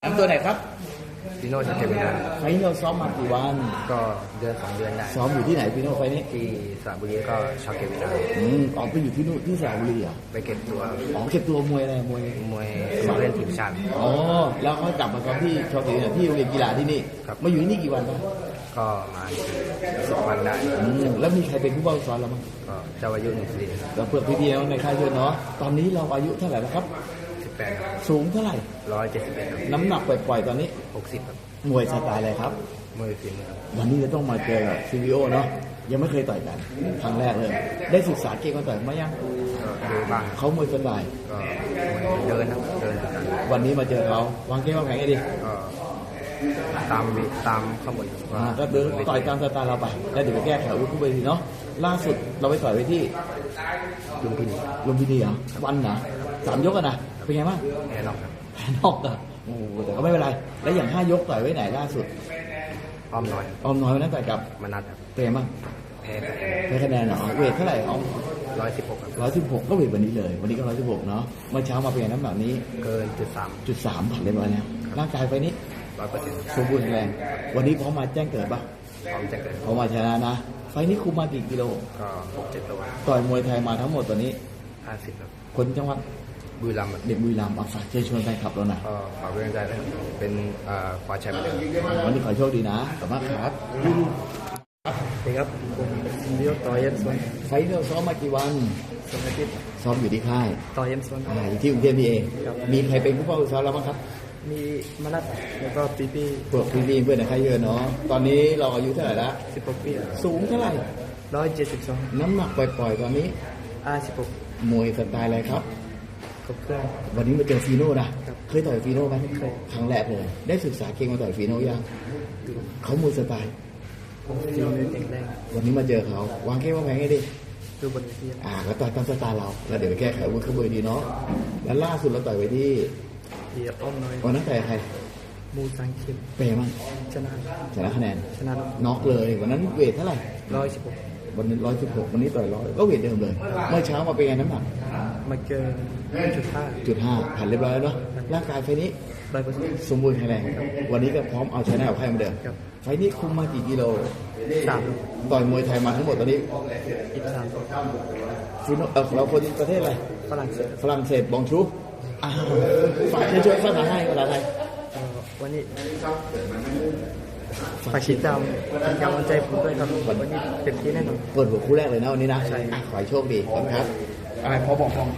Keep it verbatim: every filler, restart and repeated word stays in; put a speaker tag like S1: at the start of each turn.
S1: น้ำตัวไหนครับ
S2: พี่โน่จะเก็บไม่ได้
S1: ไฟล์นี้เราซ้อมมากี่วัน
S2: ก็เดือนสองเดือนได้
S1: ซ้อมอยู่ที่ไหนพี่โน่ไฟล์นี้
S2: ที่สระบุรีก็ชอบเก็บไม่ได้
S1: อืมออกไปอยู่ที่นู่นที่สระบุรีเหรอ่ะ
S2: ไปเก็บตัว
S1: อ๋อเก็บตัวมวยอะไรมวย
S2: มวยสมัครเล่นทีมชาติ
S1: อ๋อแล้วเขากลับมาซ้อมที่ชอติเนี่ยที่โรงเรียนกีฬาที่นี่
S2: ครับ
S1: มาอยู่ที่นี่กี่วันครับ
S2: ก็มาสิบวันได้
S1: อืมแล้วมีใครเป็นผู้บังคับสอนเราบ้าง
S2: ก็เจ้าอายุหนึ่งสิบ
S1: เราเพื่อนพี่ๆในค่ายเยอะเนาะตอนนี้เราอายุเท่าไหร่แล้วครับ
S2: สิบแปด
S1: สูงเท่าไหร่
S2: ร้อยเจ็ดสิบเอ็ด
S1: น้ำหนักปล่อยๆตอนนี้
S2: หกสิบครับ
S1: มวยสไตล์อะไรครับ
S2: มวยฝีมือ
S1: วันนี้จะต้องมาเจอกับซีวีโอเนาะยังไม่เคยต่อยกันครั้งแรกเลย ได้ศึกษาเกมการต่อยมายัง
S2: ก็ดูบ้าง
S1: เขามวยสไตล์
S2: ก็เดินครับเดินเหมือนกัน
S1: วันนี้มาเจอเขาวางเกมวางแผนไงดี
S2: ก็ตามวิตามข้อมูล
S1: อ่าก็เดินต่อยตามสไตล์เราไปแล้วเดี๋ยวไปแก้ไขอาวุธคู่ไปทีเนาะล่าสุดเราไปต่อยไปที่
S2: ลุมพินี
S1: ลุมพินีเหรอวันนะสามยกอะนะเป็นไงบ้าง
S2: แน่นอนครับ
S1: แพ้นอกอะโอ้โหแต่ก็ไม่เป็นไร แล้วอย่างห้ายกต่อยไว้ไหนล่าสุด
S2: อ้อมน้อย
S1: ออมน้อยวันนั้นต่อยกับ
S2: มานัดครับ
S1: เป็นไงบ้าง
S2: แพ้คะแนน
S1: ได้คะแนนเหรอเวทเท่าไหร่ออม
S2: ร้อยสิบหกครับ
S1: ร้อยสิบหกก็เวทวันนี้เลย วันนี้ก็ร้อยสิบหกเนาะเมื่อเช้ามาเป็นไงน้ำหนักนี้
S2: เกินจุดสาม
S1: จุดสามผ่านเรียบร้อยแล้วร่างกายไฟนี้
S2: ร้อยเปอร์เซ็นต์
S1: สมบูรณ์แข็งแรง วันนี้พร้อมมาแจ้งเกิดปะ
S2: พร้อมจะเกิด
S1: พร้อมมาชนะนะ ไฟนี้คุมมากี่กิโล
S2: ก็หกเจ็ดตัว
S1: ต่อยมวยไทยมาทั้งหมดตอนนี้
S2: ห้าสิบครับ
S1: คนจังหวัด
S2: บุรีรัมย์
S1: เด็กบุรีรัมย์เอาฝากเชิญชวนแฟนคลับเราหน่อย
S2: ก็ฝากเป็นกำลังใจด้วยครับเป็นเอ่อคว้าแชมป์ไปเลย
S1: วันนี้ขอโชคดีนะขอบคุณมากครับ
S2: สวัสดีครับผมเดียวต่อเย็นสวน
S1: ไฟนี้เราซ้อมมากี่วัน
S2: สวัสดี
S1: ซ้อมอยู่ที่ค่าย
S2: ต่อเย็นสวน
S1: อ่าอยู่ที่กรุงเทพนี่เอง
S2: ครับ
S1: มีใครเป็นผู้เฝ้าซ้อมเราบ้างครับ
S2: มีมานัดแล้วก็ปีปี
S1: พวกพี่ๆเพื่อนในค่ายเยอะเนาะ ตอนนี้เราอายุเท่าไหร่ละ
S2: สิบหกปี
S1: สูงเท่าไหร่
S2: ร้อยเจ็ดสิบสอง
S1: น้ำหนักปล่อยๆตอนนี้
S2: ห้าสิบหก
S1: มวยสไตล์อะไรครับ
S2: ครบเครื่อง
S1: วันนี้มาเจอฟีโน่นะ
S2: ครับ
S1: เคยต่อยฟีโน่ไหม
S2: เคย
S1: ครั้งแรกเลย ได้ศึกษาเก่งมาต่อยฟีโน่ยัง
S2: ดู
S1: เขามวยสไตล์
S2: ฟิลมือแข็งแรง
S1: วันนี้มาเจอเขา วางเกมวางแผนให้ดี
S2: ดูบนเวที
S1: อ่าก็ต่อยตามสไตล์เรา แล้วเดี๋ยวไปแก้ไขอาวุ้นขบวยดีเนาะ แล้วล่าสุดเราต่อยไปที่
S2: เดียอ้อมน้อย
S1: วันนั้นต่อยใคร
S2: มูสังคิม
S1: เปย์มั้ง
S2: ชนะ
S1: ชนะคะแนน
S2: ชนะ
S1: น็อกเลย วันนั้นเวทเท่าไหร่
S2: ร้อยสิบหก
S1: วันนี้ร้อยสิบหกวันนี้ต่อยร้อยก็เวทเดิมเลย เมื่อเช้ามาเป็นไงน้ำหนัก
S2: มาเกินจุดห้า
S1: จุดห้าผ่านเรียบร้อยแล้วเนาะ ร่างกายไฟนี้
S2: ร้อยเปอร์เซ็นต์
S1: สมบูรณ์แข็งแรง วันนี้ก็พร้อมเอาชนะกับใครเหมือนเดิม
S2: ครับ
S1: ไฟนี้คุมมากี่กิโล
S2: สาม
S1: ต่อยมวยไทยมาทั้งหมดตอนนี้
S2: อีกสาม
S1: ฟิโนเออเราคนประเทศอะไร
S2: ฝรั่งเศส
S1: ฝรั่งเศสบองชูอ่าฝากเชิญชวนภาษาไทยภาษาไทย
S2: เอ่อวันนี้ฝากติดตามเป็นกำลังใจผมด้วยครับวันนี้เต็มที่แน่นอน
S1: เปิดหัวคู่แรกเลยนะวันนี้นะ
S2: ใช่
S1: อ่ะขอให้โชคดีขอบคุณครับอะไรพอบอก